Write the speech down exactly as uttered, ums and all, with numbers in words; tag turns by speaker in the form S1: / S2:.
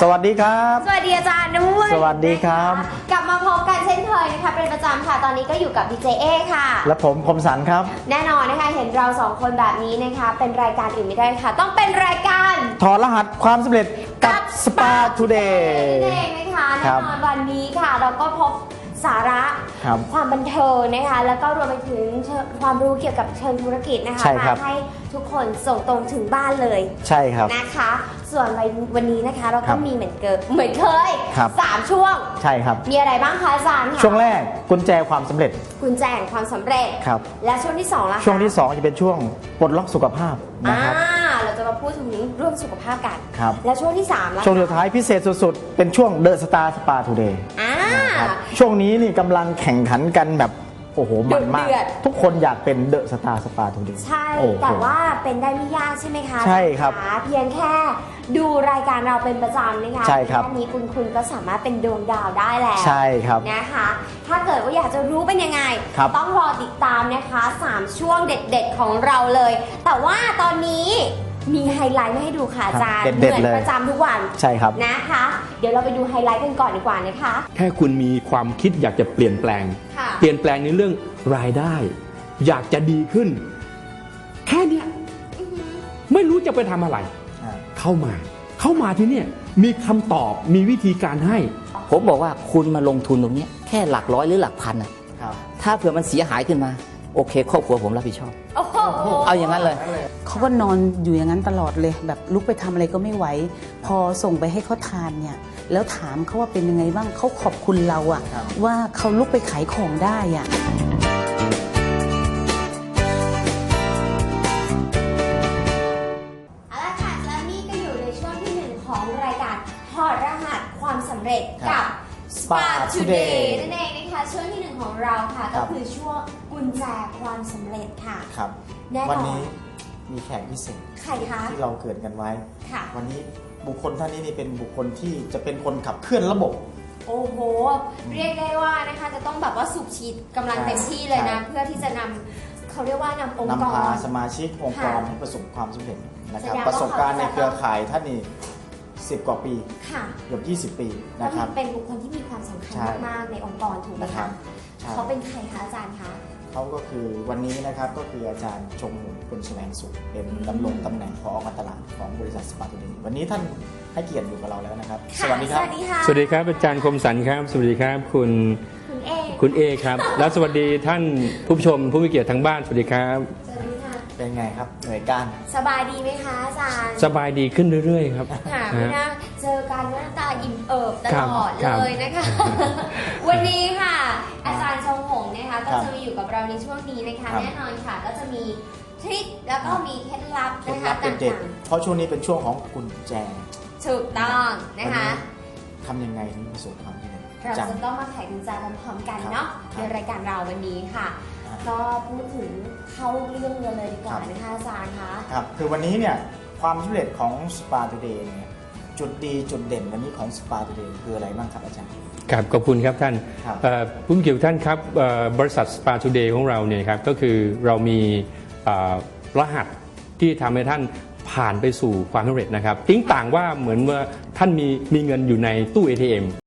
S1: สวัสดีครับ
S2: สวัสดีอาจารย์ด้วย
S1: สวัสดีครับ
S2: กลับมาพบกันเช่นเคยนะคะเป็นประจำค่ะตอนนี้ก็อยู่กับดีเจเอค่ะ
S1: และผมคมสันครับ
S2: แน่นอนนะคะเห็นเราสองคนแบบนี้นะคะเป็นรายการอื่นไม่ได้ค่ะต้องเป็นรายการ
S1: ถอดรหัสความสำเร็จกับสปาทูเดย์
S2: นั่นเองนะคะแน่นอนวันนี้ค่ะเราก็พบสาระความบันเทิงนะคะแล้วก็รวมไปถึงความรู้เกี่ยวกับเชิงธุรกิจนะคะมาให้ทุกคนส่งตรงถึงบ้านเลย
S1: ใช่ครับ
S2: นะคะส่วนวันนี้นะคะเราก็มีเหมือนเกิดเหมือนเคยสามช่วง
S1: ใช่ครับ
S2: มีอะไรบ้างคะอาจารย์
S1: ช่วงแรกกุญแจความสำเร็จ
S2: กุญแจความสำเร็จ
S1: ครับ
S2: และช่วงที่สองล่ะ
S1: ช่วงที่สองจะเป็นช่วงปลดล็อกสุขภาพนะครับ
S2: เราจะมาพูดถึงเรื่องสุขภาพกัน
S1: ครับ
S2: และช่วงที่สามล่ะ
S1: ช่วงสุดท้ายพิเศษสุดๆเป็นช่วงเดอะสตาร์สปาทูเดย์ช่วงนี้นี่กำลังแข่งขันกันแบบโอ้โหมันมากทุกคนอยากเป็นเดอะสตาร์สปาทูเดย์
S2: ใช่แต่ว่าเป็นได้ไม่ยากใช่ไหมคะ
S1: ใช่ครับ
S2: เพียงแค่ดูรายการเราเป็นประจำนะคะ
S1: ใช่ครับ
S2: แค่นี้คุณคุณก็สามารถเป็นดวงดาวได้แล้ว
S1: ใช่ครับ
S2: นะคะถ้าเกิดว่าอยากจะรู้เป็นยังไงต้องรอติดตามนะคะสามช่วงเด็ดๆของเราเลยแต่ว่าตอนนี้มีไฮไลท์มาให้ดูค่ะอาจารย์เหมือนประจำทุกวัน
S1: ใช่ครับ
S2: นะคะเดี๋ยวเราไปดูไฮไลท์กันก่อนดีกว่านะคะ
S3: แค่คุณมีความคิดอยากจะเปลี่ยนแปลงเปลี่ยนแปลงในเรื่องรายได้อยากจะดีขึ้นแค่เนี้ยไม่รู้จะไปทำอะไรเข้ามาเข้ามาที่เนี่ยมีคำตอบมีวิธีการให้
S4: ผมบอกว่าคุณมาลงทุนตรงนี้แค่หลักร้อยหรือหลักพันอ่ะถ้าเผื่อมันเสียหายขึ้นมาโอเคครอบครัวผมรับผิดชอบเอาอย่างนั้นเลย
S5: เขาก็นอนอยู่อย่างนั้นตลอดเลยแบบลุกไปทำอะไรก็ไม่ไหวพอส่งไปให้เขาทานเนี่ยแล้วถามเขาว่าเป็นยังไงบ้างเขาขอบคุณเราอะว่าเขาลุกไปขายของได้อะ
S2: เอาละค่ะและนี่ก็อยู่ในช่วงที่หนึ่งของรายการถอดรหัสความสำเร็จกับ Spa Today นั่นเองนะคะช่วงที่หนึ่งของเราค่ะก็คือช่วงกุญแจความสำเร็จค่ะ
S1: ครับวันนี้มีแขกพิเศษ
S2: ใครคะ
S1: ที่เราเกิดกันไว้
S2: ค่ะ
S1: วันนี้บุคคลท่านนี้นี่เป็นบุคคลที่จะเป็นคนขับเคลื่อนระบบ
S2: โอ้โหเรียกได้ว่านะคะจะต้องแบบว่าสูบฉีดกำลังเต็มที่เลยนะเพื่อที่จะนำเขาเรียกว่านำองค์กร
S1: นำพาสมาชิกองค์กรให้ประสบความสำเร็จนะครับประสบการณ์ในเครือข่ายท่านนี่สิบกว่าปีเกือบยี่สิบปีนะครับ
S2: เป็นบุคคลที่มีความสำคัญมากๆในองค์กรถูกไหมคะเขาเป็นใครคะอาจารย์คะ
S1: เขาก็คือวันนี้นะครับก็คืออาจารย์ชมคุณแสวงสุขเป็นดำรงตำแหน่งผอการตลาดของบริษัทสปาทูเดย์วันนี้ท่านให้เกียรติอยู่กับเราแล้วนะครับ
S2: สวัสดีครับ
S3: สวัสดีครับอาจารย์คมสันครับสวัสดีครับคุณ
S2: คุณเอ
S3: คุณเอครับแล้วสวัสดีท่านผู้ชมผู้มีเกียรติทางบ้านสวัสดีครับ
S1: เป็นไงครับหน่วยการ
S2: สบายดีไหมคะอาจารย์
S3: สบายดีขึ้นเรื่อยๆครับ
S2: ค่ะไม่น่าเจอกันหน้าตาอิ่มเอิบตลอดเลยนะคะวันนี้ค่ะอาจารย์ชงหงนะคะก็จะมาอยู่กับเราในช่วงนี้นะคะแน่นอนค่ะก็จะมีทริคแล้วก็มีเคล็ดลับนะคะต่าง
S1: ๆเพราะช่วงนี้เป็นช่วงของกุญแจ
S2: ถูกต้องนะคะ
S1: ทำยังไงถึงประสบความสำเร็จ
S2: เราจะต้องมาไขกุญแจพร้อมๆกันเนาะในรายการเราวันนี้ค่ะก็พูดถึงเข้าเรื่องเลยดีกว่านะคะอาจารย์คะ
S1: ครับคือวันนี้เนี่ยความสำเร็จของ Spa Today เนี่ยจุดดีจุดเด่นวันนี้ของ Spa Today คืออะไรบ้างครับอาจารย์
S3: ครับขอบคุณครับท่านผู้มีเกียรติท่านครับบริษัท Spa Today ของเราเนี่ยครับก็คือเรามีรหัสที่ทำให้ท่านผ่านไปสู่ความสำเร็จนะครับทิ้งต่างว่าเหมือนว่าท่านมีมีเงินอยู่ในตู้ เอ ที เอ็ม